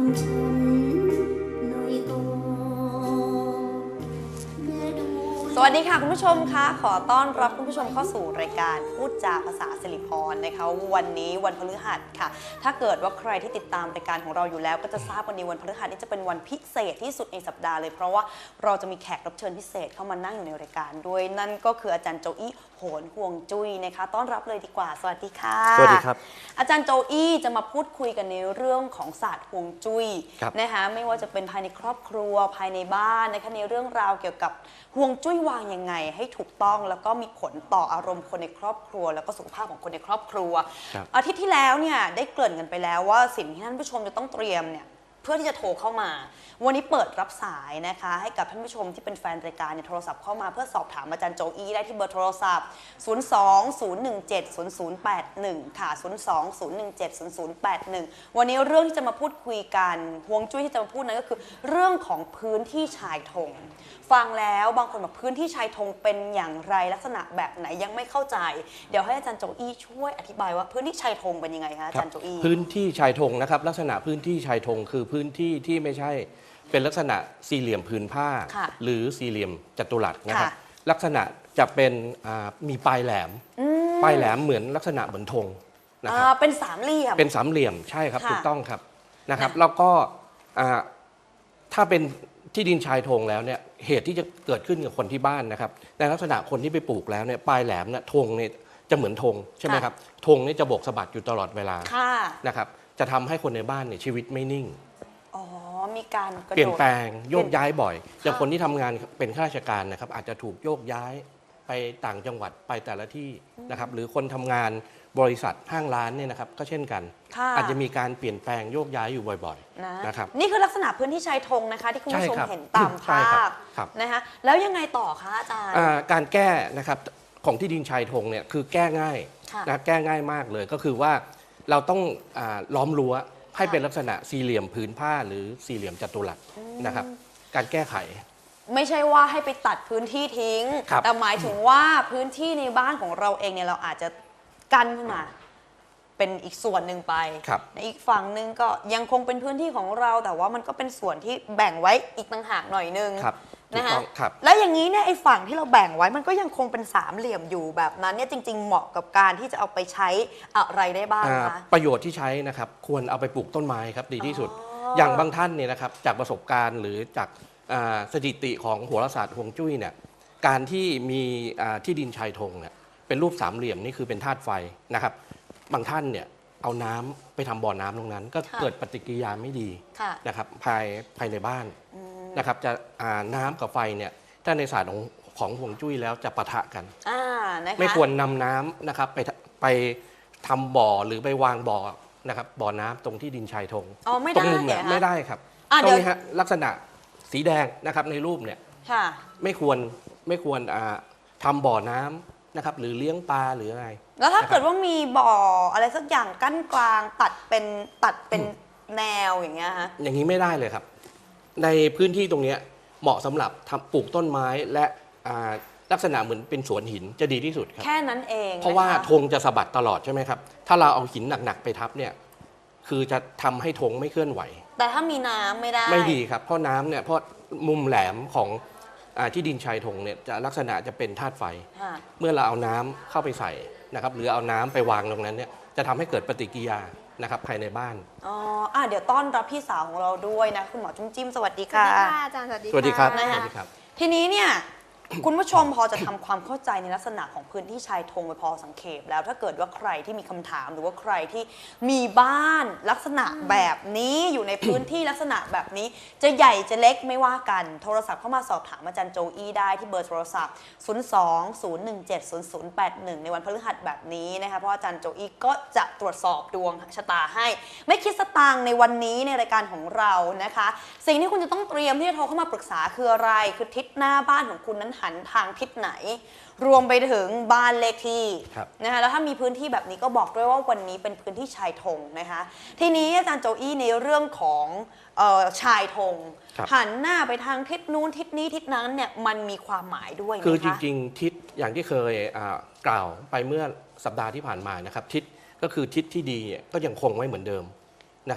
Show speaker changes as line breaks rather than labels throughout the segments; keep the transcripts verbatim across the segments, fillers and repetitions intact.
ชนหน่อยก่อนสวัสดีค่ะคุณผู้ชมคะขอต้อนรับคุณผู้ชมเข้าสู่รายการพูดจาภาษาสิริพรนะคะวันนี้วันพฤหัสค่ะถ้าเกิดว่าใครที่ติดตามรายการของเราอยู่แล้วก็จะทราบวันนี้วันพฤหัสนี้จะเป็นวันพิเศษที่สุดในสัปดาห์เลยเพราะว่าเราจะมีแขกรับเชิญพิเศษเข้ามานั่งอยู่ในรายการด้วยนั่นก็คืออาจารย์โจอี้โหนห่วงจุ้ยนะคะต้อนรับเลยดีกว่าสวัสดีค่ะ
สวัสดีครับ
อาจารย์โจอี้จะมาพูดคุยกันในเรื่องของศาสตร์ห่วงจุ้ยนะคะไม่ว่าจะเป็นภายในครอบครัวภายในบ้านนะคะในเรื่องราวเกี่ยวกับห่วงจุ้ยวางยังไงให้ถูกต้องแล้วก็มีผลต่ออารมณ์คนในครอบครัวแล้วก็สุขภาพของคนในครอบครัวอาทิตย์ที่แล้วเนี่ยได้เกริ่นกันไปแล้วว่าสิ่งที่ท่านผู้ชมจะต้องเตรียมเนี่ยเพื่อที่จะโทรเข้ามาวันนี้เปิดรับสายนะคะให้กับท่านผู้ชมที่เป็นแฟนรายการเนี่ยโทรศัพท์เข้ามาเพื่อสอบถามอาจารย์โจอี้ได้ที่เบอร์โทรศัพท์ศูนย์ สอง ศูนย์ หนึ่ง เจ็ด ศูนย์ ศูนย์ แปด หนึ่งค่ะศูนย์ สอง ศูนย์ หนึ่ง เจ็ด ศูนย์ ศูนย์ แปด หนึ่งวันนี้เรื่องที่จะมาพูดคุยกันฮวงจุ้ยที่จะมาพูดนั้นก็คือเรื่องของพื้นที่ชายธงฟังแล้วบางคนบอกพื้นที่ชายธงเป็นอย่างไรลักษณะแบบไหนยังไม่เข้าใจเดี๋ยวให้อาจารย์โจอี้ช่วยอธิบายว่าพื้นที่ชายธงเป็นยังไงคะอาจารย์โจอี้
พื้นที่ชายธงนะครับลักษณะพื้นที่ชายธงคือพื้นที่ที่ไม่ใช่เป็นลักษณะสี่เหลี่ยมผืนผ้าหรือสี่เหลี่ยมจัตุรัสนะครับลักษณะจะเป็นมีปลายแหลมปลายแหลมเหมือนลักษณะเหมือนธงนะครับ
เป็นสามเหลี่ยม
เป็นสามเหลี่ยมใช่ครับถูกต้องครับนะครับแล้วก็ถ้าเป็นที่ดินชายธงแล้วเนี่ยเหตุที่จะเกิดขึ้นกับคนที่บ้านนะครับในลักษณะคนที่ไปปลูกแล้วเนี่ยปลายแหลมเนี่ยธงเนี่ยจะเหมือนธงใช่ไหมครับธงนี่จะโบกสะบัดอยู่ตลอดเวลานะครับจะทำให้คนในบ้านเนี่ยชีวิตไม่นิ่ง
อ๋อมีการ
เปลี่ยนแปลงโยกย้ายบ่อยอย่างคนที่ทำงานเป็นข้าราชการนะครับอาจจะถูกโยกย้ายไปต่างจังหวัดไปแต่ละที่นะครับหรือคนทำงานบริษัทห้างร้านเนี่ยนะครับก็เช่นกันอาจจะมีการเปลี่ยนแปลงโยกย้ายอยู่บ่อยๆนะครับ
นี่คือลักษณะพื้นที่ชายธงนะคะที่คุณผู้ชมเห็นตามภาพนะคะแล้วยังไงต่อคะอาจารย์
การแก้นะครับของที่ดินชายธงเนี่ยคือแก้ง่ายนะแก้ง่ายมากเลยก็คือว่าเราต้องล้อมรั้วให้เป็นลักษณะสี่เหลี่ยมผืนผ้าหรือสี่เหลี่ยมจัตุรัสนะครับการแก้ไข
ไม่ใช่ว่าให้ไปตัดพื้นที่ทิ้งแต่หมายถึงว่าพื้นที่ในบ้านของเราเองเนี่ยเราอาจจะกันขึ้นมาเป็นอีกส่วนหนึ่งไปในอีกฝั่งหนึ่งก็ยังคงเป็นพื้นที่ของเราแต่ว่ามันก็เป็นส่วนที่แบ่งไว้อีกต่างหากหน่อยนึงนะคะแล้วอย่างนี้เนี่ยไอ้ฝั่งที่เราแบ่งไว้มันก็ยังคงเป็นสามเหลี่ยมอยู่แบบนั้นเนี่ยจริงๆเหมาะกับการที่จะเอาไปใช้อะไรได้บ้างคะ
ประโยชน์ที่ใช้นะครับควรเอาไปปลูกต้นไม้ครับดีที่สุดอย่างบางท่านเนี่ยนะครับจากประสบการณ์หรือจากสถิติของโหราศาสตร์ฮวงจุ้ยเนี่ยการที่มีที่ดินชายธงเนี่ยเป็นรูปสามเหลี่ยมนี่คือเป็นธาตุไฟนะครับบางท่านเนี่ยเอาน้ำไปทำบ่อน้ำตรงนั้นก็เกิดปฏิกิริยาไม่ดีนะครับภายภายในบ้านนะครับจะน้ำกับไฟเนี่ยถ้าในศาสตร์ของของฮวงจุ้ยแล้วจะปะทะกันไม่ควรนำน้ำนะครับไปไปทำบ่อหรือไปวางบ่อนะครับบ่อน้ำตรงที่ดินชายธง
ตรง
มุมเนี่ยไม่ได้ครับตรงนี้ฮะลักษณะสีแดงนะครับในรูปเนี่ยไม่ควรไม่ควรทำบ่อน้ำนะครับหรือเลี้ยงปลาหรืออะไร
แล้วถ้าเกิดว่ามีบ่ออะไรสักอย่างกั้นกลางตัดเป็นตัดเป็นแนวอย่างเงี้ยฮะ
อย่างนี้ไม่ได้เลยครับในพื้นที่ตรงนี้เหมาะสำหรับทำปลูกต้นไม้และลักษณะเหมือนเป็นสวนหินจะดีที่สุดครับ
แค่นั้นเอง
เพราะว่าธงจะสะบัดตลอดใช่ไหมครับถ้าเราเอาหินหนักๆไปทับเนี่ยคือจะทำให้ธงไม่เคลื่อนไหว
แต่ถ้ามีน้ำไม่ได้
ไม่ดีครับเพราะน้ำเนี่ยเพราะมุมแหลมของที่ดินชายธงเนี่ยจะลักษณะจะเป็นธาตุไฟเมื่อเราเอาน้ำเข้าไปใส่นะครับหรือเอาน้ำไปวางตรงนั้นเนี่ยจะทำให้เกิดปฏิกิริยานะครับภายในบ้าน
อ๋ออ่ะเดี๋ยวต้อนรับพี่สาวของเราด้วยนะคุณหมอจุ้มจิ้มสวัสดีค่ะ
สวัสดีค่ะอาจารย์สวัสดี
สวัสดีครับ
นะคะทีนี้เนี่ยคุณผู้ชมพอจะทำความเข้าใจในลักษณะของพื้นที่ชายธงไปพอสังเขปแล้วถ้าเกิดว่าใครที่มีคำถามหรือว่าใครที่มีบ้านลักษณะแบบนี้อยู่ในพื้นที่ลักษณะแบบนี้จะใหญ่จะเล็กไม่ว่ากันโทรศัพท์เข้ามาสอบถามอาจารย์โจอี้ได้ที่เบอร์โทรศัพท์ศูนย์ สอง ศูนย์ หนึ่ง เจ็ด ศูนย์ ศูนย์ แปด หนึ่งในวันพฤหัสแบบนี้นะคะเพราะอาจารย์โจอี้ก็จะตรวจสอบดวงชะตาให้ไม่คิดสตางค์ในวันนี้ในรายการของเรานะคะสิ่งที่คุณจะต้องเตรียมที่จะโทรเข้ามาปรึกษาคืออะไรคือทิศหน้าบ้านของคุณนั้นหันทางทิศไหนรวมไปถึงบ้านเลขที่นะคะแล้วถ้ามีพื้นที่แบบนี้ก็บอกด้วยว่าวันนี้เป็นพื้นที่ชายธงนะคะทีนี้อาจารย์โจอี้ในเรื่องของเอ่อชายธงหันหน้าไปทางทิศนู้นทิศนี้ทิศนั้นเนี่ยมันมีความหมายด้วย
คือจริงๆทิศอย่างที่เคยกล่าวไปเมื่อสัปดาห์ที่ผ่านมานะครับทิศก็คือทิศที่ดีก็ยังคงไว้เหมือนเดิมนะครับ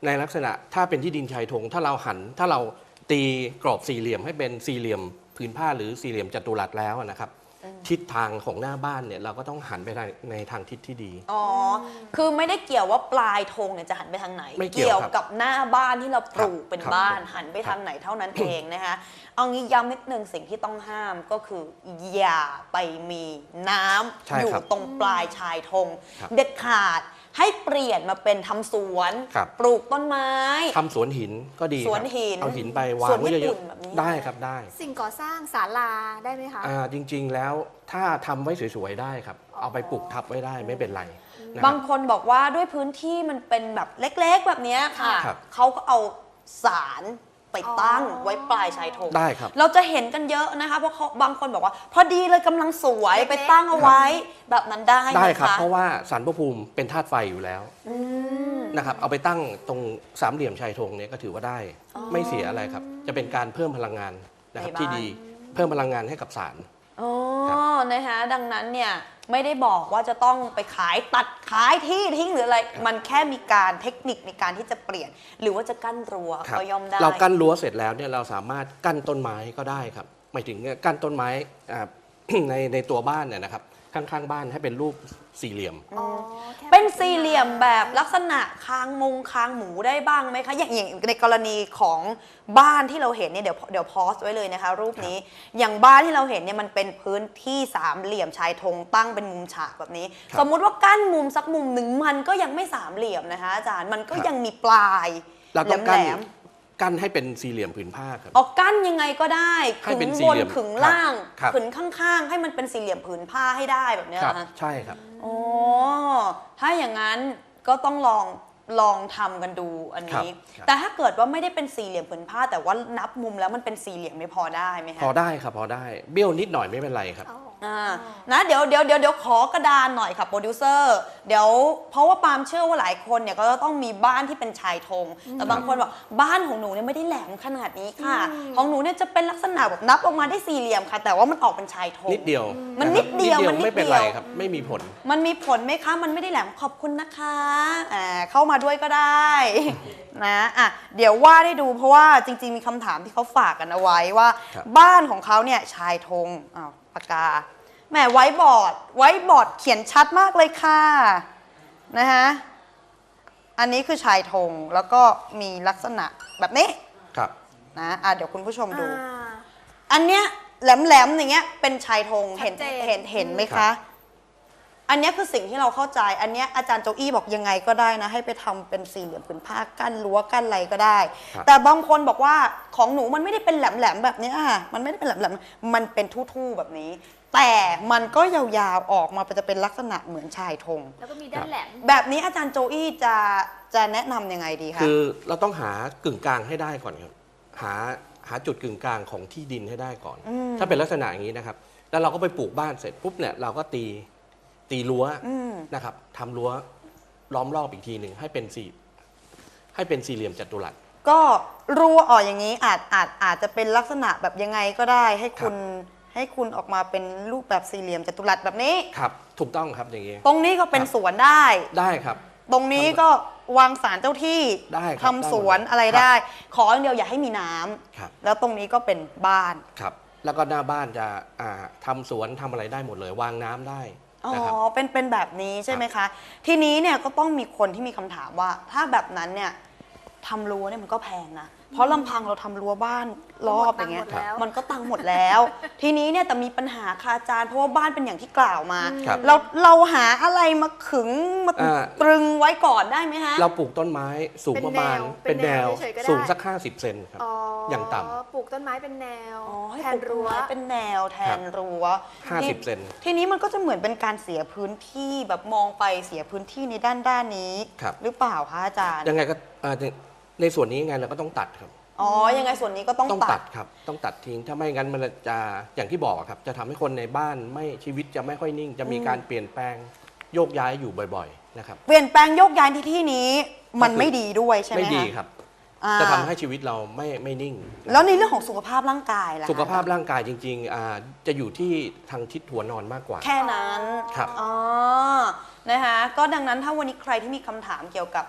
ในลักษณะถ้าเป็นที่ดินชายธงถ้าเราหันถ้าเราตีกรอบสี่เหลี่ยมให้เป็นสี่เหลี่ยมผืนผ้าหรือสี่เหลี่ยมจัตุรัสแล้วนะครับทิศทางของหน้าบ้านเนี่ยเราก็ต้องหันไปในทางทิศที่ดี
อ๋อคือไม่ได้เกี่ยวว่าปลายธงเนี่ยจะหันไปทางไหน
ไม่เกี่ยว
กับหน้าบ้านที่เราปลูกเป็นบ้านหันไป
ครั
ทา
บ
งไหนเท่านั้นเองนะคะเอางี้ย้ำนิดนึงสิ่งที่ต้องห้ามก็คืออย่าไปมีน้ำอยู่ตรงปลายชายธงเด็ดขาดให้เปลี่ยนมาเป็นทำสวนปลูกต้นไม้
ทำสวนหินก็ดี
สวนหิน
เอาหินไปวางไว้เยอะๆได้ครับได้
สิ่งก่อสร้างศาลาได้ไหมคะ
อ่าจริงๆแล้วถ้าทำไว้สวยๆได้ครับเอาไปปลูกทับไว้ได้ไม่เป็นไร
บางคนบอกว่าด้วยพื้นที่มันเป็นแบบเล็กๆแบบนี้ค่ะเขาก็เอาสารไปตั้งไว้ปลายชายธง
ได้ครับ
เราจะเห็นกันเยอะนะคะเพราะเขาบางคนบอกว่าพอดีเลยกำลังสวยไปตั้งเอาไว้แบบนั้นได้ไหมคะ
ได้ครับเพราะว่าสารพระภูมิเป็นธาตุไฟอยู่แล้วนะครับเอาไปตั้งตรงสามเหลี่ยมชายธงเนี่ยก็ถือว่าได้ไม่เสียอะไรครับจะเป็นการเพิ่มพลังงานนะครับที่ดีเพิ่มพลังงานให้กับสาร
อ๋อนะคะดังนั้นเนี่ยไม่ได้บอกว่าจะต้องไปขายตัดขายที่ทิ้งหรืออะไรมันแค่มีการเทคนิคในการที่จะเปลี่ยนหรือว่าจะกั้นรั้วก็ย่อมได้
เรากั้นรั้วเสร็จแล้วเนี่ยเราสามารถกั้นต้นไม้ก็ได้ครับหมายถึงกั้นต้นไม้ในในตัวบ้านเนี่ยนะครับข้างๆบ้านให้เป็นรูปสี่เหลี่ยม
เป็นสี่เหลี่ยมแบบลักษณะคางมุงคางหมูได้บ้างไหมคะอย่างอย่างในกรณีของบ้านที่เราเห็นเนี่ยเดี๋ยวเดี๋ยวพอสไว้เลยนะคะรูปนี้อย่างบ้านที่เราเห็นเนี่ยมันเป็นพื้นที่สามเหลี่ยมชายธงตั้งเป็นมุมฉากแบบนี้สมมุติว่ากั้นมุมสักมุมหนึ่งมันก็ยังไม่สามเหลี่ยมนะคะอาจารย์มันก็ยังมีปลายแหลม
กั้นให้เป็นสี่เหลี่ยมผืนผ้าครับ
ออกกั้นยังไงก็ได้ขึงบนขึงล่างขึงข้างๆให้มันเป็นสี่เหลี่ยมผืนผ้าให้ได้แบบนี้นะคะ
ใช่ครับ
โอ้ถ้าอย่างนั้นก็ต้องลองลองทำกันดูอันนี้แต่ถ้าเกิดว่าไม่ได้เป็นสี่เหลี่ยมผืนผ้าแต่ว่านับมุมแล้วมันเป็นสี่เหลี่ยมไม่พอได้ไหมคะ
พอได้ครับพอได้เบี้ยวนิดหน่อยไม่เป็นไรครับ
อ่านะเดี๋ยวเดี๋ยวเดี๋ยวเดี๋ยวขอกระดานหน่อยค่ะโปรดิวเซอร์เดี๋ยวเพราะว่าปาล์มเชื่อว่าหลายคนเนี่ยก็จะต้องมีบ้านที่เป็นชายธงแต่บางคนบอกบ้านของหนูเนี่ยไม่ได้แหลมขนาดนี้ค่ะของหนูเนี่ยจะเป็นลักษณะแบบนับออกมาได้สี่เหลี่ยมค่ะแต่ว่ามันออกเป็นชายธง
นิดเดียว
มันนิดเดียว
มันไม่เป็นไรครับไม่มีผล
มันมีผลไหมคะมันไม่ได้แหลมขอบคุณนะคะอ่าเข้ามาด้วยก็ได้นะอ่ะเดี๋ยวว่าได้ดูเพราะว่าจริงๆมีคำถามที่เขาฝากกันเอาไว้ว่าบ้านของเขาเนี่ยชายธงอ้าวปากกาแหมไว้บอร์ดไว้บอร์ดเขียนชัดมากเลยค่ะนะคะอันนี้คือชายธงแล้วก็มีลักษณะแบบนี้
ครับ
นะอ่ะเดี๋ยวคุณผู้ชมดูอันเนี้ยแหลมๆอย่างเงี้ยเป็นชายธงเห็นเห็นเห็นไหมคะอันนี้คือสิ่งที่เราเข้าใจอันนี้อาจารย์โจอี้บอกยังไงก็ได้นะให้ไปทำเป็นสี่เหลี่ยมผืนผ้ากั้นรั้วกั้นอะไรก็ได้แต่บางคนบอกว่าของหนูมันไม่ได้เป็นแหลมๆแบบนี้ค่ะมันไม่ได้เป็นแหลมๆมันเป็นทู่ๆแบบนี้แต่มันก็ยาวๆออกมาจะเป็นลักษณะเหมือนชายธง
แล้วก็มีด้านแหลม
แบบนี้อาจารย์โจอี้จะจะแนะนำยังไงดีคะ
คือเราต้องหากึ่งกลางให้ได้ก่อนครับหาหาจุดกึ่งกลางของที่ดินให้ได้ก่อนถ้าเป็นลักษณะอย่างนี้นะครับแล้วเราก็ไปปลูกบ้านเสร็จปุ๊บเนี่ยเราก็ตีตีรั้วนะครับทำรั้วล้อมรอบอีกทีหนึ่งให้เป็นสี่ให้เป็นสี่เหลี่ยมจัตุรัส
ก็รั้วออกอย่างนี้อาจอาจอาจจะเป็นลักษณะแบบยังไงก็ได้ให้คุณให้คุณออกมาเป็นรูปแบบสี่เหลี่ยมจัตุรัสแบบนี้
ครับถูกต้องครับอย่างนี้
ตรงนี้ก็เป็นสวนได้
ได้ครับ
ตรงนี้ก็วางศาลเจ้าที่
ได้
ทำสวนอะไรได้ขออย่างเดียวอย่าให้มีน้ำแล้วตรงนี้ก็เป็นบ้าน
ครับแล้วก็หน้าบ้านจะทำสวนทำอะไรได้หมดเลยวางน้ำได้
อ๋อเป็นเป็นแบบนี้ใช่ไหมคะทีนี้เนี่ยก็ต้องมีคนที่มีคำถามว่าถ้าแบบนั้นเนี่ยทำรั้วเนี่ยมันก็แพงนะเพราะลำพังเราทำรั้วบ้านรอบอย่างเงี้ยมันก็ตังหมดแล้วทีนี้เนี่ยแต่มีปัญหาคาอาจารย์เพราะว่าบ้านเป็นอย่างที่กล่าวมาเราเราหาอะไรมาขึงมาตรึงไว้ก่อนได้ไหมฮะ
เราปลูกต้นไม้สูงประมาณเป็นแนวสูงสักห้าสิบเซนครับอย่างต่ำ
ปลูกต้นไม้เป็นแนว
แทนรั้วเป็นแนวแทนรั้ว
ห้าสิบเซน
ทีนี้มันก็จะเหมือนเป็นการเสียพื้นที่แบบมองไปเสียพื้นที่ในด้านด้านนี้หรือเปล่าคะอาจารย์
ยังไงก็ในส่วนนี้ยังไงเราก็ต้องตัดครับ
อ๋อยังไงส่วนนี้ก็ต้อง
ต้องตัดครับต้องตัดทิ้งถ้าไม่งั้นมันจะอย่างที่บอกครับจะทำให้คนในบ้านไม่ชีวิตจะไม่ค่อยนิ่งจะมีการเปลี่ยนแปลงโยกย้ายอยู่บ่อยๆนะครับ
เปลี่ยนแปลงโยกย้ายที่ที่นี้มันไม่ดีด้วยใช่ไหม
ไม่ดีครับจะทำให้ชีวิตเราไม่ไม่นิ่ง
แล้วในเรื่องของสุขภาพร่างกายล่ะ
สุขภาพร่างกายจริงๆจะอยู่ที่ทางทิศหัวนอนมากกว่า
แค่นั้น
ครับ
อ๋อนะคะก็ดังนั้นถ้าวันนี้ใครที่มีคำถามเกี่ยวกับ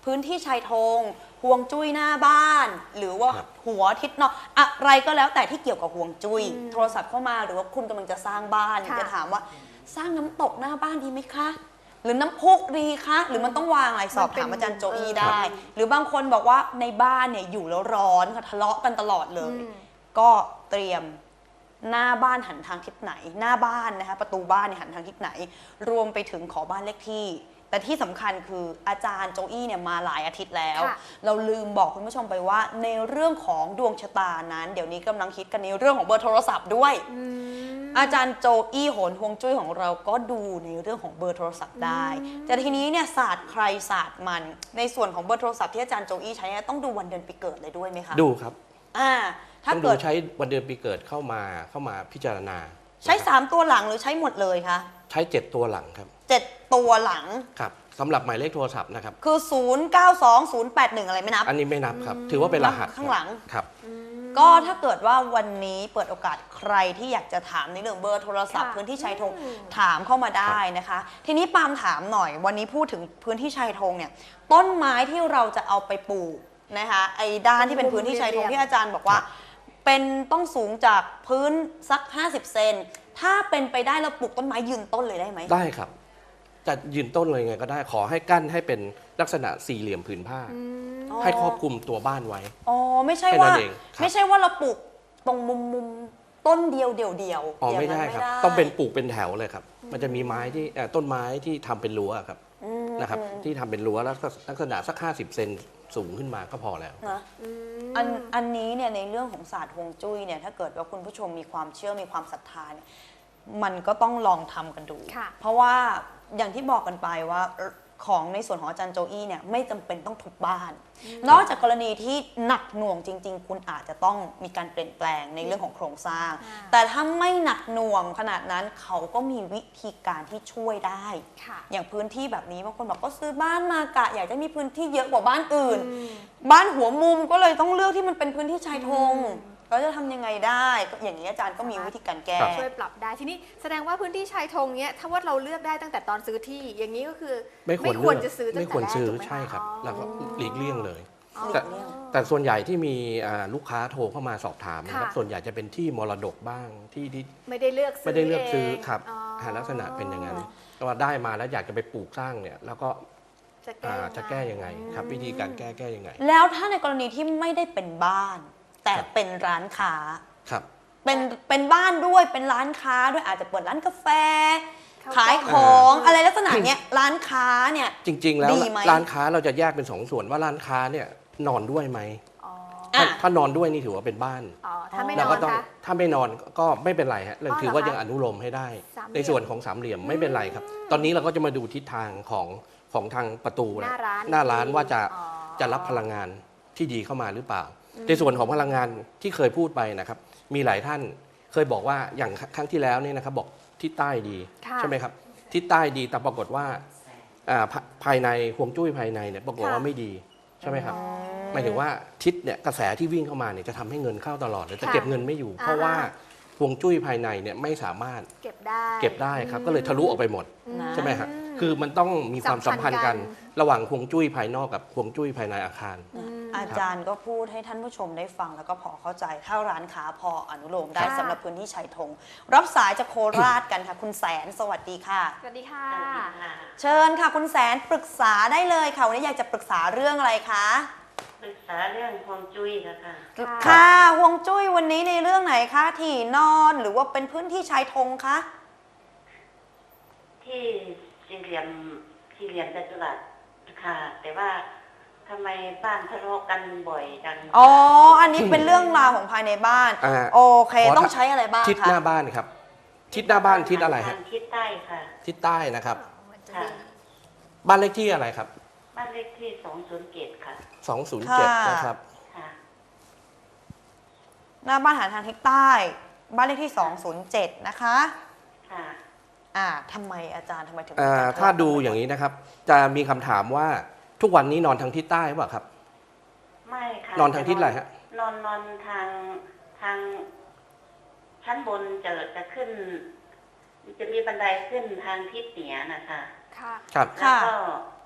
พื้นที่ชายธงห่วงจุ้ยหน้าบ้าน หรือว่า
ครับ
หัวทิศนอกอะไรก็แล้วแต่ที่เกี่ยวกับห่วงจุ้ยโทรศัพท์เข้ามาหรือว่าคุณกำลังจะสร้างบ้าน
ค่ะ
จะถามว่าสร้างน้ำตกหน้าบ้านดีไหมคะ หรือน้ำพุดีคะหรือมันต้องวางอะไรสอบถามอาจารย์โจอี้ได้ หรือบางคนบอกว่าในบ้านเนี่ยอยู่แล้วร้อนค่ะทะเลาะกันตลอดเลย
อืม
ก็เตรียมหน้าบ้านหันทางทิศไหน หน้าบ้านนะคะประตูบ้านเนี่ยหันทางทิศไหน รวมไปถึงขอบ้านเลขที่ แต่ที่สำคัญคืออาจารย์โจอี้เนี่ยมาหลายอาทิตย์แล้ว
ค่ะ
เราลืมบอกคุณผู้ชมไปว่าในเรื่องของดวงชะตานั้น เดี๋ยวนี้กำลังคิดกันในเรื่องของเบอร์โทรศัพท์ด้วย
อืม
อาจารย์โจอี้โหนฮวงจุ้ยของเราก็ดูในเรื่องของเบอร์โทรศัพท์ได้ แต่ทีนี้เนี่ยศาสตร์ใครศาสตร์มัน ในส่วนของเบอร์โทรศัพท์ที่อาจารย์โจอี้ใช้เนี่ยต้องดูวันเดือนปีเกิดเลยด้วยไหมคะ
ดูครับ
อ่าถ้า
ต้องดู
เกิด
ใช้วันเดือนปีเกิดเข้ามาเข้ามาพิจารณา
ใช้
นะครับ
สามตัวหลังหรือใช้หมดเลยคะ
ใช้เจ็ดตัวหลังครับ
เจ็ดตัวหลัง
ครับสำหรับหมายเลขโทรศัพท์นะครับ
คือ ศูนย์ เก้า สอง ศูนย์ แปด หนึ่ง อะไรไม่นับ
อันนี้ไม่นับครับ ถือว่าเป็นรหัส
ข้างหลัง
ครับ
ก็ถ้าเกิดว่าวันนี้เปิดโอกาสใครที่อยากจะถามในเรื่องเบอร์โทรศัพท์
ค่ะ
พื้นที่ชายธง
อืม
ถามเข้ามาได้นะคะ ทีนี้ปาล์มถามหน่อย วันนี้พูดถึงพื้นที่ชายธงเนี่ยต้นไม้ที่เราจะเอาไปปลูกนะคะไอ้ด้านที่เป็นพื้นที่ชายธงที่อาจารย์บอกว่า เป็นต้องสูงจากพื้นสัก ห้าสิบ เซนถ้าเป็นไปได้เราปลูกต้นไม้ยืนต้นเลยได้ไหม
ได้ครับ จะยืนต้นเลยไงก็ได้ขอให้กั้นให้เป็นลักษณะสี่เหลี่ยมผืนผ้า
อ๋อ
ให้ครอบคลุมตัวบ้านไว้
อ๋อไม่ใช่
แค่นั้
ว่าน
เองครับ
ไม่ใช่ว่าเราปลูกตรงมุมมุมต้นเดียวเดียวเดียว
อ๋อ
อย่าง
ไม่
นั้น
ได้ครับ ต้องเป็นปลูกเป็นแถวเลยครับ มันจะมีไม้ที่เอ่อต้นไม้ที่ทำเป็นรั้วครับ
อืม
นะครับ ที่ทำเป็นรั้วแล้วก็ลักษณะสักห้าสิบเซนสูงขึ้นมาก็พอแล้ว
นะอันอันนี้เนี่ยในเรื่องของศาสตร์ฮวงจุ้ยเนี่ยถ้าเกิดว่าคุณผู้ชมมีความเชื่อมีความศรัทธาเนี่ยมันก็ต้องลองทำกันดู
ค่ะ
เพราะว่าอย่างที่บอกกันไปว่าของในส่วนของอาจารย์โจอี้เนี่ยไม่จำเป็นต้องทุบบ้าน นอกจากกรณีที่หนักหน่วงจริง ๆ คุณอาจจะต้องมีการเปลี่ยนแปลงในเรื่องของโครงสร้าง
อ่า
แต่ถ้าไม่หนักหน่วงขนาดนั้นเขาก็มีวิธีการที่ช่วยได้
ค่ะ
อย่างพื้นที่แบบนี้บางคนบอกก็ซื้อบ้านมากะอยากจะมีพื้นที่เยอะกว่าบ้านอื่น
อืม
บ้านหัวมุมก็เลยต้องเลือกที่มันเป็นพื้นที่ชายธงเราจะทำยังไงได้ก็อย่างนี้อาจารย์ก็มีวิธีการแก้
ครับ
ช่วยปรับได้ทีนี้แสดงว่าพื้นที่ชายธงเนี้ยถ้าว่าเราเลือกได้ตั้งแต่ตอนซื้อที่ อย่างนี้ก็คือ
ไม่ควร
ควร
เลือก
จะซื้อตั้ง
ไม่
แต่
ควร
แรก
ซื้อ
ถูกไหมะ
ใช่ครับ แล้วก็หลีกเลี่ยงเลย
อ๋อ
แต่
หลีกเลี่ยง
แต่ส่วนใหญ่ที่มีอ่าลูกค้าโทรเข้ามาสอบถามนะครับ
ค่ะ
ส่วนใหญ่จะเป็นที่มรดกบ้างที่ที่
ไม่ได้เลือกซื้อ
ไม่ได้เลือกซื้อ
เง
ครับ
อ๋อ
หาลักษณะเป็นอย่างนั้นก็ว่าได้มาแล้วอยากจะไปปลูกสร้างเนี่ย แล้วก็
จะแก้
อ่า
ยังไง
จะแก้ยังไงครับ วิธีการแก้แก้ยังไง
แล้วถ้าในกรณีที่ไม่ได้เป็นบ้าน แต่
ครับ
เป็นร้านค้า
ครับ
เป็นเป็นบ้านด้วยเป็นร้านค้าด้วยอาจจะเปิดร้านกาแฟ
ข้าว
ขาย
กล้อง
ของ
อ่า
อะไรลักษณะเนี้ยร้านค้าเนี่ย
จริง ๆ แล้ว
ดีไหม
ร้านค้าเราจะแยกเป็นสองส่วนว่าร้านค้าเนี่ยนอนด้วยไหม
อ๋อ
อ่ะ
ถ้าถ้านอนด้วยนี่ถือว่าเป็นบ้าน
อ๋อถ้าไม่น
เรา
อ
ก็
น
ต้อง
คะ
ถ้าไม่นอนก็ไม่เป็นไรฮะเรา
อ๋อ
ถือว่า
เหรอคะ
ยังอนุโลมให้ได้
สามเหลี่ยม
ในส่วนของสามเหลี่ยมไม่เป็นไรครับ ตอนนี้เราก็จะมาดูทิศทางของของทางประตู
หน้าร้าน
หน้าร้านว่าจะ
อ๋อ
จะรับพลังงานที่ดีเข้ามาหรือเปล่า ในส่วนของพลังงานที่เคยพูดไปนะครับ มีหลายท่านเคยบอกว่าอย่างครั้งที่แล้วเนี่ยนะครับบอกทิศใต้ดี
ค่ะ
ใช่ไหมครับทิศใต้ดีแต่ปรากฏว่าอ่าภาภายในห่วงจุ้ยภายในเนี่ยปรากฏว่าไม่ดีใช่ไหมครับ หมายถึงว่าทิศเนี่ยกระแสที่วิ่งเข้ามาเนี่ยจะทำให้เงินเข้าตลอดเลยจะ
ค่ะ
เก็บเงินไม่อยู่
อ่า
เพราะว่าฮวงจุ้ยภายในเนี่ยไม่สามารถ
เก็บได้
เก็บได้ครับ ก็เลยทะลุออกไปหมด
นะ
ใช่ไหมครับคือมันต้องมีความสัมพันธ์กัน
สัมพันธ์กัน
ระหว่างฮวงจุ้ยภายนอกกับฮวงจุ้ยภายในอาคาร
อาจารย์ก็พูดให้ท่านผู้ชมได้ฟังแล้วก็พอเข้าใจถ้าร้านค้าพออนุโลมได้
ค่ะ
สำหรับพื้นที่ชายธงรับสายจากโคราชกันค่ะ คุณแสนสวัสดีค่ะ
สวัสดีค่ะ
เชิญค่ะคุณแสนปรึกษาได้เลยค่ะวันนี้อยากจะปรึกษาเรื่องอะไรคะ
ปรึกษาเรื่องฮวงจุ้ยนะคะ
ค่ะ
ค่ะฮวงจุ้ยวันนี้ในเรื่องไหนคะที่นอนหรือว่าเป็นพื้นที่ชายธงคะ
ที่สี่เหลี่ยมสี่เหลี่ยมจัตุรัสค่ะ แต่ว่าทำไมบ้านทะเลาะกันบ่อยจัง
อ๋ออันนี้เป็นเรื่องราวของภายในบ้าน
อ่า
โอเค
ขอ
ต้องใช้อะไรบ้าง
ทิศห
คะ
น้าบ้านครับ ทิศหน้าบ้านทิศอะไรฮะ
ทางทิศใต้ค่ะ
ทิศใต้นะครับ
ค่ะ
บ้านเลขที่อะไรครับ
บ้านเลขที่สองศูนย์เจ็ดค่ะ
สองศูนย์เจ็ดนะครับ
ค่ะ
หน้าบ้านหันทางทิศใต้ บ้านเลขที่ สองศูนย์เจ็ด นะคะ
ค่ะ
อ่าทำไมอาจารย์ทำไมถึง
เอ่อถ้าดูอย่างนี้นะครับ จะมีคำถามว่าทุกวันนี้นอนทางทิศใต้หรือเปล่าครับ
ไม่ค่ะ
นอนทางทิศอะไรฮะ
นอนนอนทางทางชั้นบนจะจะขึ้น จะมีบันไดขึ้นทางทิศเหนือนะคะ
ค่ะ
ครับ
แล้วก็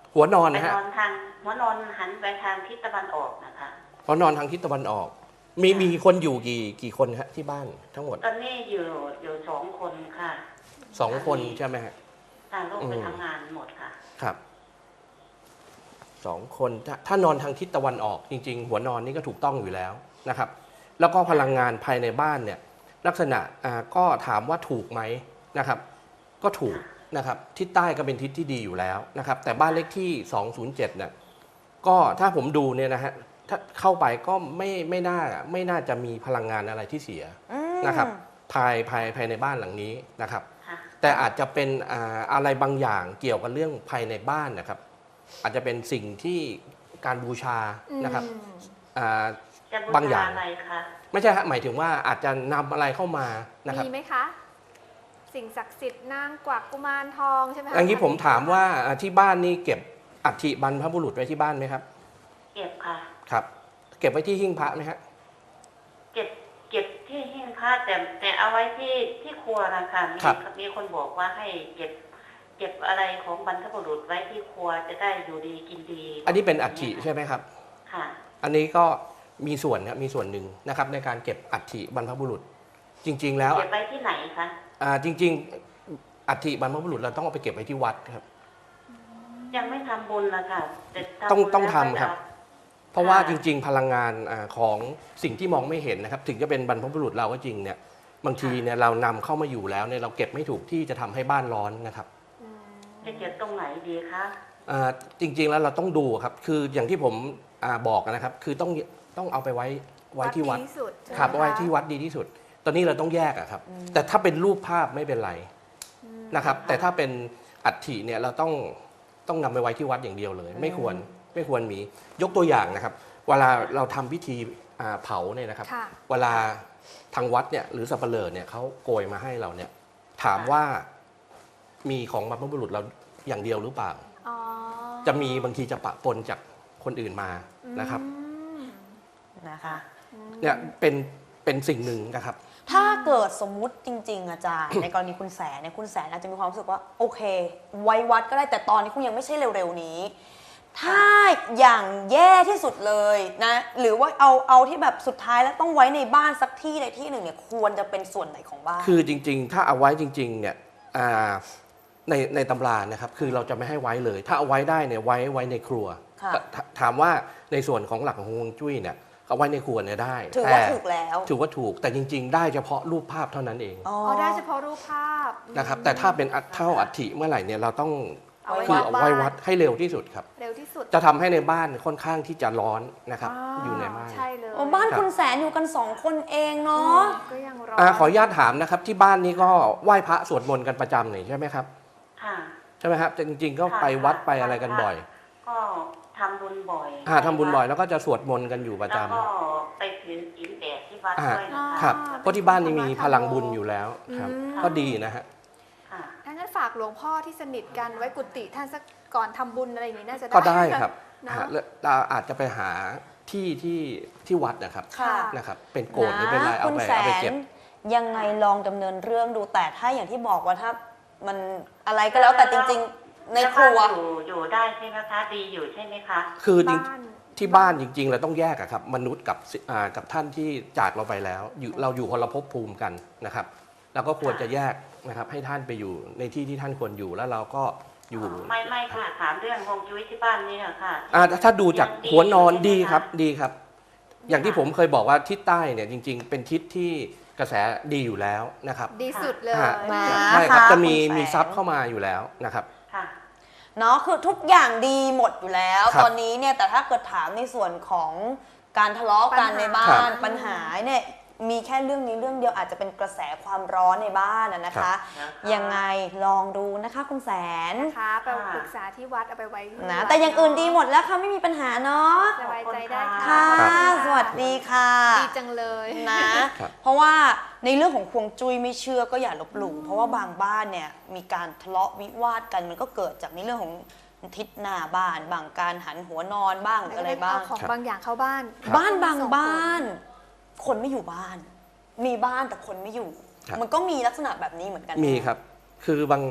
หัวนอน
ไป
นะฮะ
นอนทางหัวนอนหันไปทางทิศตะวันออกนะคะ
หัวนอนทางทิศตะวันออก มีมีคนอยู่กี่กี่คนฮะที่บ้านทั้งหมด
ตอนนี้อยู่อยู่สองคนค่ะ
สองคนใช่ไหมฮะ
ทางลูกไป
อืม
ทำงานหมดค่ะ
ครับสองคนถ้าถ้านอนทางทิศตะวันออก จริง ๆ หัวนอนนี่ก็ถูกต้องอยู่แล้วนะครับ แล้วก็พลังงานภายในบ้านเนี่ยลักษณะอ่าก็ถามว่าถูกไหมนะครับ ก็ถูกนะครับทิศใต้ก็เป็นทิศที่ดีอยู่แล้วนะครับ แต่บ้านเลขที่สองศูนย์เจ็ดเนี่ยก็ถ้าผมดูเนี่ยนะฮะถ้าเข้าไปก็ไม่ไม่น่าไม่น่าจะมีพลังงานอะไรที่เสีย
อืม
นะครับภายภายภายในบ้านหลังนี้นะครับ
ค่ะ
แต่อาจจะเป็นอ่าอะไรบางอย่างเกี่ยวกับเรื่องภายในบ้านนะครับ อาจจะเป็นสิ่งที่การบูชานะครับ
อืม
อ่า
จะบู
บางอย่า
ชาง อะไรคะ
ไม่ใช่ฮะหมายถึงว่าอาจจะนำอะไรเข้ามานะครับ
มีไหมคะ สิ่งศักดิ์สิทธิ์นางกวักกุมารทองใช่ไหมคะ
อย่างนี้ผมถามว่าอ่าที่บ้านนี่เก็บอัฐิบรรพบุรุษไว้ที่บ้านไหมครับ
เก็บค่ะ
ครับ เก็บไว้ที่หิ้งพระไหมฮะ
เก็บเก็บที่หิ้งพระแต่แต่เอาไว้ที่ที่ครัวนะคะมี
ครับ
มีคนบอกว่าให้เก็บ เก็บอะไรของบรรพบุรุษไว้ที่ครัวจะได้อยู่ดีกินดี
อันนี้เป็นอัฐิใช่ไหมครับ
ค่ะ
อันนี้ก็มีส่วนครับมีส่วนหนึ่งนะครับในการเก็บอัฐิบรรพบุรุษ จริง ๆ แล้ว
เก็บไว้ที่ไหนคะ
อ่าจริง ๆ อัฐิบรรพบุรุษเราต้องเอาไปเก็บไว้ที่วัดครับ
ยังไม่ทำบุญนะคะแต่ทำ
ต้อง
บุญ
ต้อง
แล้ว
ทำ
ก็
ครับ
จะ
เพราะว่า
ค่ะ
จริง ๆ พลังงานอาของสิ่งที่มองไม่เห็นนะครับ ถึงจะเป็นบรรพบุรุษเราก็จริงเนี่ยบางทีเนี่ยเรานำเข้ามาอยู่แล้วเนี่ยเราเก็บไม่ถูกที่จะทำให้บ้านร้อนนะครับ
อืม
จะเก็บตรงไหนดีคะ
อ่าจริง ๆ แล้วเราต้องดูครับคืออย่างที่ผมอาบอกนะครับ คือต้องต้องเอาไปไว้ไว้ที่วัด
ดีที่สุดใช่ไหม
ครับ
คะ
ไว้ที่วัดดีที่สุด ตอนนี้เราต้องแยกอะครับ แต่ถ้าเป็นรูปภาพไม่เป็นไรนะครับ แต่ถ้าเป็นอัฐิเนี่ยเราต้องต้องนำไปไว้ที่วัดอย่างเดียวเลย ไม่ควรไม่ควรมียกตัวอย่างนะครับ เวลาเราทำพิธีอ่าเผาเนี่ยนะครับ
ค่ะ
เวลาทางวัดเนี่ยหรือสับปะเลอเนี่ยเขาโกยมาให้เราเนี่ยถามว่ามีของบรรพบุรุษเราอย่างเดียวหรือเปล่า
อ๋อ
จะมีบางทีจะปะปนจากคนอื่นมานะครับ
อืม
นะคะ
เนี่ยเป็นเป็นสิ่งหนึ่งนะครับ
ถ้าเกิดสมมุติจริง ๆ อาจารย์ ในกรณีคุณแสนเนี่ยคุณแสนอาจจะมีความรู้สึกว่าโอเค ไว้วัดก็ได้แต่ตอนนี้คงยังไม่ใช่เร็วๆนี้ ถ้าอย่างแย่ที่สุดเลยนะหรือว่าเอาเอาที่แบบสุดท้ายแล้วต้องไว้ในบ้านสักที่ใดที่หนึ่งเนี่ยควรจะเป็นส่วนไหนของบ้าน
คือจริงๆ ถ้าเอาไว้จริงๆ เนี่ยอ่าในในตำรานะครับ คือเราจะไม่ให้ไว้เลย ถ้าเอาไว้ได้เนี่ยไว้ไว้ในครัว
ค่ะ
ถถามว่าในส่วนของหลักของฮวงจุ้ยเนี่ยเอาไว้ในครัวเนี่ยได้
ถือว่า
แต่
ถูกแล้ว
ถือว่าถูก แต่จริง ๆ ได้เฉพาะรูปภาพเท่านั้นเอง
อ๋อ
อ๋อได้เฉพาะรูปภาพ
นะครับ แต่ถ้าเป็นอัฐเท่าอัฐิเมื่อไหร่เนี่ยเราต้อง
เอาไว้
คือ
วัด
เอา
บ้า
ไว้
น
วัดให้เร็วที่สุดครับ
เร็วที่สุด
จะทำให้ในบ้านค่อนข้างที่จะร้อนนะครับ อยู่ในบ้าน
ใช่เลย
โอ้บ้านคุณแสนอยู่กันสองคนเองเนาะ
ก็ยังรอ
อ่าขออนุญาตถามนะครับ ที่บ้านนี้ก็ไหว้พระสวดมนต์กันประจำนี่ใช่ไหมครับ
ค่ะ
ใช่ไหมครับแต่จริง ๆ ก็ไปวัดไปอะไรกันบ่อย
ก็ทำบุญบ่อย
อ่าทำบุญบ่อยแล้วก็จะสวดมนต์กันอยู่ประจำ
แล้วก็ไปถือศีลแปดที่วัด
อ่า
ด้วยนะคะ
ครับเพราะที่บ้านนี่มีพลังบุญอยู่แล้วครับ
อืม
ก็ดีนะฮะ
ค่ะ
ถ้างั้นฝากหลวงพ่อที่สนิทกันไว้กุฏิท่านสักก่อนทำบุญอะไรอย่างนี้น่าจะได้
ก็ได้ครับ
เนอะ
ฮะแล้วเราอาจจะไปหาที่ที่ที่วัดนะครับ
ค่ะ
นะครับ เป็นโกรธหรือเป็นอะไรเอา
คุณ
ไป
แส
เอาไป
น
เก็บ
ยังไงลองดำเนินเรื่องดูแต่ถ้าอย่างที่บอกว่าถ้ามันอะไรก็แล้วแต่จริง ๆ ในครัว
แล้บ้านอยู่อยู่ได้ใช่ไหมคะ ดีอยู่ใช่ไหมคะ
คือจริง
บ้าน
ที่บ้านจริง ๆ เราต้องแยกอะครับมนุษย์กับสิอ่ากับท่านที่จากเราไปแล้วอยู่เราอยู่คนละภพภูมิกันนะครับเราก็ควรจะแยกนะครับให้ท่านไปอยู่ในที่ที่ท่านควรอยู่แล้วเราก็อยู่
ไม่ไม่ค่ะ ถามเรื่องฮวงจุ้ยที่บ้านนี่อะค่ะ
อ่าถ้าดูจาก
ยังดี
หัวนอน
ใช่ไหม
ดี
คะ
ครับดีครับ อย่างที่ผมเคยบอกว่าทิศใต้เนี่ยจริง ๆ เป็นทิศที่กระแสดีอยู่แล้วนะครับ
ดีสุดเลย
ฮะ
มา
ใช่ครับจะมี
คุณแสน
มีทรัพย์เข้ามาอยู่แล้วนะครับ
ค่ะ
เนาะคือทุกอย่างดีหมดอยู่แล้ว
ครับ
ตอนนี้เนี่ยแต่ถ้าเกิดถามในส่วนของการทะเลาะกัน
ปัญหา
ในบ้า
ครั
น
บ
ปัญหาเนี่ยมีแค่เรื่องนี้เรื่องเดียวอาจจะเป็นกระแสความร้อนในบ้านนะนะ
ครั
คะ
บ
ยังไงลองดูนะคะคุณแสน
นะคะไปปรึกษาที่วัดเอาไปไว้ที่
นะ
วัด
แต่อย่างอื่นดีหมดแล้วค่ะไม่มีปัญหาเนาะ
สบายใจได้
ค่ะ
ค่ะ
สวัสดีค่ะ
ดีจังเลย
นะ
ครับ
เพราะว่าในเรื่องของควงจุ้ยไม่เชื่อก็อย่าลบหลู่เพราะว่าบางบ้านเนี่ยมีการทะเลาะวิวาทกันมันก็เกิดจากในเรื่องของทิศหน้าบ้านบางการหันหัวนอนบ้างหรืออะไรบ้าง
เของบางอย่างเข้าบ้าน
ครับ
บ้านบางบ้าน คนไม่อยู่บ้าน มีบ้านแต่คนไม่อยู่
ครับ
มันก็มีลักษณะแบบนี้เหมือนกัน
มีครับ คือบาง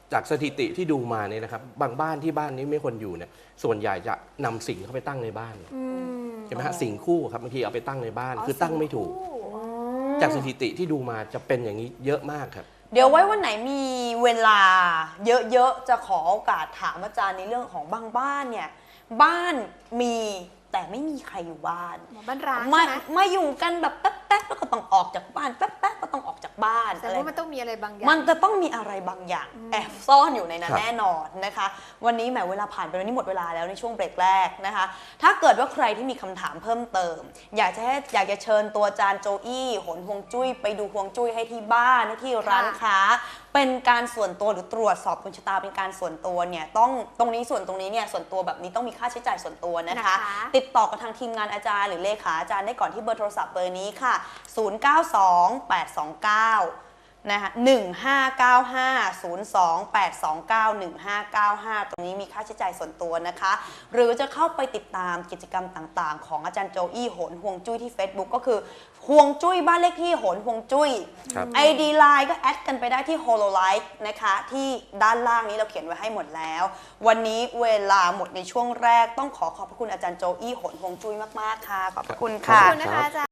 จากสถิติที่ดูมาเนี่ยนะครับบางบ้านที่บ้านนี้ไม่คนอยู่เนี่ยส่วนใหญ่จะนำสิ่งเข้าไปตั้งในบ้าน
อืม
ใช่ไหมฮะสิ่งคู่ครับบางทีเอาไปตั้งในบ้าน คือตั้งไม่ถูก
สิ่งคู่
จากสถิติที่ดูมาจะเป็นอย่างนี้เยอะมากครับ
เดี๋ยวไว้วันไหนมีเวลาเยอะๆ จะขอโอกาสถามอาจารย์ในเรื่องของบางบ้านเนี่ย บ้านมีแต่ไม่มีใครอยู่บ้าน
หมอบ้านร้าง
มา
ใช่ไหม
มาอยู่กันแบบแป๊บๆแล้วก็ต้องออกจากบ้านแป๊บๆก็ต้องออกจากบ้าน
แต่
อะไร
ว่ามันต้องมีอะไรบางอย่าง
มันจะต้องมีอะไรบางอย่างแอบซ่อนอยู่ในนั้น
ครับ
แน่นอนนะคะ วันนี้แหมเวลาผ่านไปวันนี้หมดเวลาแล้วในช่วงเบรกแรกนะคะ ถ้าเกิดว่าใครที่มีคำถามเพิ่มเติม อยากจะให้อยากจะเชิญตัวอาจารย์โจอี้โหนฮวงจุ้ยไปดูฮวงจุ้ยให้ที่บ้านให้ที่ร้านค้า เป็นการส่วนตัวหรือตรวจสอบดวงชะตาเป็นการส่วนตัวเนี่ยต้องตรงนี้ส่วนตรงนี้เนี่ยส่วนตัวแบบนี้ต้องมีค่าใช้จ่ายส่วนตัวนะคะ
นะคะ
ติดต่อกับทางทีมงานอาจารย์หรือเลขาอาจารย์ได้ก่อนที่เบอร์โทรศัพท์เบอร์นี้ค่ะ ศูนย์ เก้า สอง แปด สอง เก้า นะคะหนึ่ง ห้า เก้า ห้า ศูนย์ สอง แปด สอง เก้า หนึ่ง ห้า เก้า ห้า ตรงนี้มีค่าใช้จ่ายส่วนตัวนะคะ หรือจะเข้าไปติดตามกิจกรรมต่างๆ ของอาจารย์โจอี้โหนฮวงจุ้ยที่ Facebook ก็คือฮวงจุ้ยบ้านเลขที่โหนฮวงจุ้ย
ครับ
ไอ ดี ไลน์ ก็แอดกันไปได้ที่ Hololive นะคะ ที่ด้านล่างนี้เราเขียนไว้ให้หมดแล้ว วันนี้เวลาหมดในช่วงแรกต้องขอขอบพระคุณอาจารย์โจอี้โหนฮวงจุ้ยมากๆค่ะ ขอบพระคุณ
ขอบ
ค่ะ
คุณนะคะอาจารย์